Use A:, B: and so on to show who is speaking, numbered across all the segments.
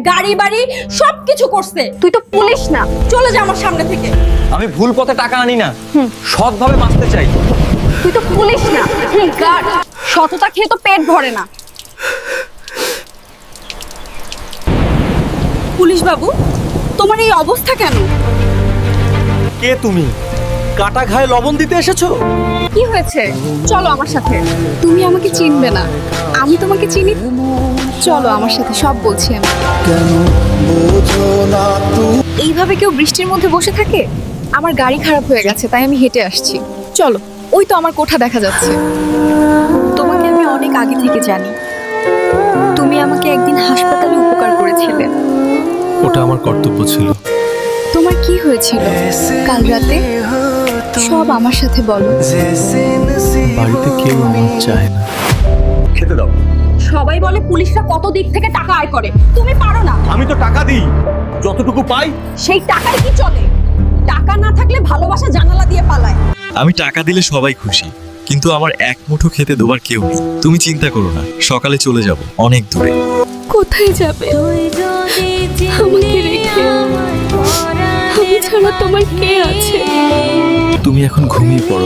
A: গাড়ি বাড়ি সবকিছু করছে।
B: তুই তো পুলিশ না।
A: চলে যা আমার সামনে থেকে।
C: আমি ভুল পথে টাকা আনি না, সৎভাবে বাঁচতে চাই।
B: তুই তো পুলিশ না।
A: সততা খেয়ে তো পেট ভরে না। পুলিশ বাবু, তোমার এই অবস্থা কেন?
C: কে তুমি? কাটা ঘায়ে লবণ দিতে এসেছো?
B: কি হয়েছে? চলো আমার সাথে। তুমি আমাকে চিনবে না, আমি তোমাকে চিনি। চলো আমার সাথে, সব বলছি আমি। এইভাবে কেউ বৃষ্টির মধ্যে বসে থাকে? আমার গাড়ি খারাপ হয়ে গেছে, তাই আমি হেঁটে আসছি। চলো, ওই তো আমার কোঠা দেখা যাচ্ছে। তোমাকে আমি অনেক আগে থেকে জানি। তুমি আমাকে একদিন হাসপাতালে উপকার করেছিলে।
D: ওটা আমার কর্তব্য ছিল।
B: তোমার কি হয়েছিল কাল রাতে? সব আমার সাথে বলো।
D: বাড়িতে কেউ আমার চায় না।
C: খেতে দাও।
A: সবাই বলে পুলিশরা কত দিক থেকে টাকা আয় করে, তুমি পারো না।
C: আমি তো টাকা দিই, যতটুকু পাই।
A: সেই টাকায় কি চলে? টাকা না থাকলে ভালোবাসা জানালা দিয়ে পালায়।
D: আমি টাকা দিলে সবাই খুশি, কিন্তু আমার এক মুঠো খেতে দেবার কেউ নেই। তুমি চিন্তা করো না, সকালে চলে যাব অনেক দূরে।
B: কোথায় যাবে আমাকে রেখে? আমি ছাড়া তোমার কে আছে?
D: তুমি এখন ঘুমিয়ে পড়ো।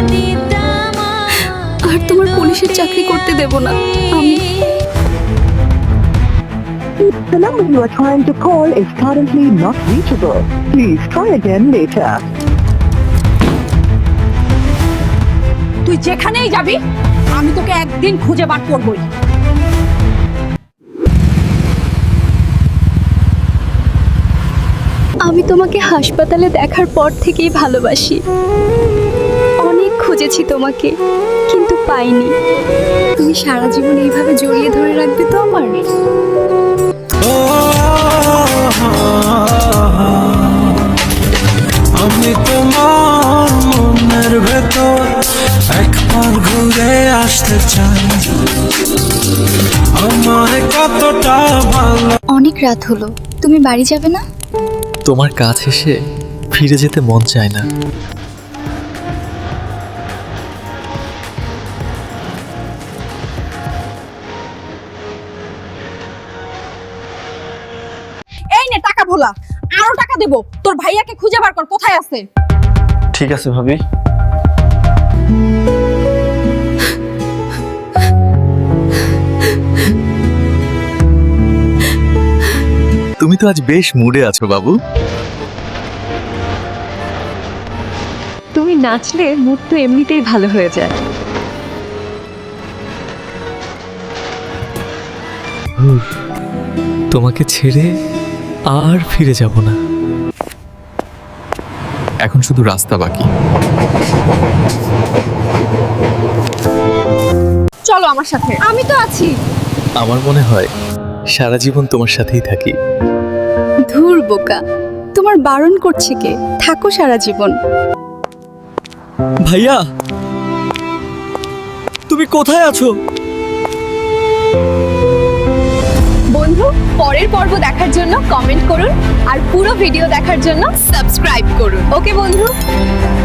B: আর তোমার পুলিশের চাকরি করতে দেব না আমি।
E: The number you are trying to call is currently not reachable. Please try again later.
A: তুই যেখানেই যাবি, আমি তোকে একদিন খুঁজে বার করবই।
B: আমি তোমাকে হাসপাতালে দেখার পর থেকেই ভালোবাসি। অনেক খুঁজেছি তোমাকে, কিন্তু পাইনি। তুমি সারা জীবন এইভাবে জড়িয়ে ধরে রাখবে তো আমার?
F: আমি তোমার মনের ভেতর একবার ঘুরে আসতে চাই। আমার কতটা ভালো।
B: অনেক রাত হলো, তুমি বাড়ি যাবে না?
D: তোমার কাছে এসে ফিরে যেতে মন চায় না।
A: এই নে টাকা ভোলা, আরো টাকা দেব। তোর ভাইয়াকে খুঁজে বার কর, কোথায় আছে।
C: ঠিক আছে ভাবি।
D: তুমি তো আজ বেশ মুডে আছো বাবু।
G: তুমি নাচলে মুড তো এমনিতেই ভালো হয়ে যায়।
D: তোমাকে ছেড়ে আর ফিরে যাব না। এখন শুধু রাস্তা বাকি।
B: চলো আমার সাথে, আমি তো আছি।
D: আমার মনে হয় সারা জীবন তোমার সাথেই থাকি।
B: ধুর বোকা, তোমার বারণ করছে কে? থাকো সারা জীবন।
D: ভাইয়া, তুমি কোথায় আছো?
B: বন্ধু, পরের পর্ব দেখার জন্য কমেন্ট করুন আর পুরো ভিডিও দেখার জন্য সাবস্ক্রাইব করুন। ওকে বন্ধু।